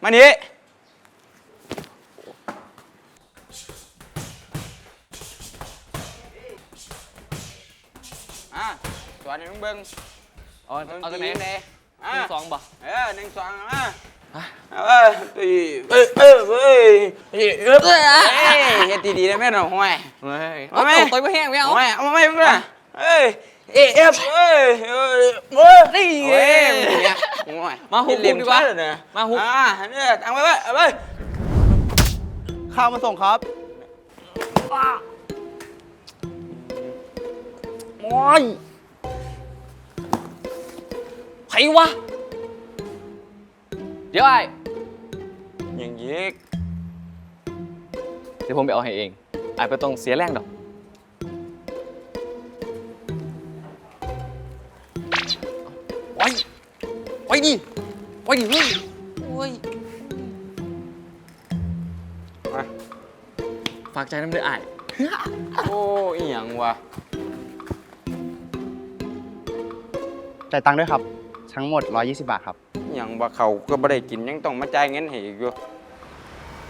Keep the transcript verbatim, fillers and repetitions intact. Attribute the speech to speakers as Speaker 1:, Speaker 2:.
Speaker 1: มานี่อ่ะสวนให้มึงเบิ่ง
Speaker 2: เอาเอาตัวไหน
Speaker 1: เด้อ่ะ
Speaker 2: หนึ่งสองบ่
Speaker 1: เออหนึ่งสองอ่ะเออเอ้ยเอ้ยเอ้ยเอ้ยเอ้ยเอ้ยเฮ็ดดีๆได้ไหมน้องห่วย
Speaker 2: เฮ้ย
Speaker 1: เอาไหม
Speaker 2: ตัวไม่แห้งไม่เอา
Speaker 1: ห่วยเอามาไหมมึงน่ะเอ้ยเอ้ยเอ้ยเอ้ยเอ้ยเอ้ย
Speaker 2: นี่
Speaker 1: เอ้ยเนี่ยห่วย
Speaker 2: มาหุบ
Speaker 1: เล่น
Speaker 2: ดีกว่า
Speaker 1: ชัเลยนะ
Speaker 2: มาหุบ
Speaker 1: อ่ะเนี่ยตังไปไว้เอาไป
Speaker 3: ข้าวมาส่งครับ
Speaker 2: โอ้ยใครวะเดี๋ยวไอ้
Speaker 1: อย่างยิก
Speaker 2: เดี๋ยวผมไปเอาให้เองไอ้ไปต้องเสียแรงดอกโอ้ยโอ้ยดิโอ้ยดิเฮ้ยโอ้ย
Speaker 1: มา
Speaker 2: ฝากใจน้ำเดือดไอ้
Speaker 1: โอ้อีหยังวะ
Speaker 3: จ่ายตังค์ด้วยครับ ทั้งหมด ร้อยยี่สิบบาทครับ
Speaker 1: อหยังว่าเขาก็บ่ได้กินยังต้องมาจ่ายเงินให้อีกอยู่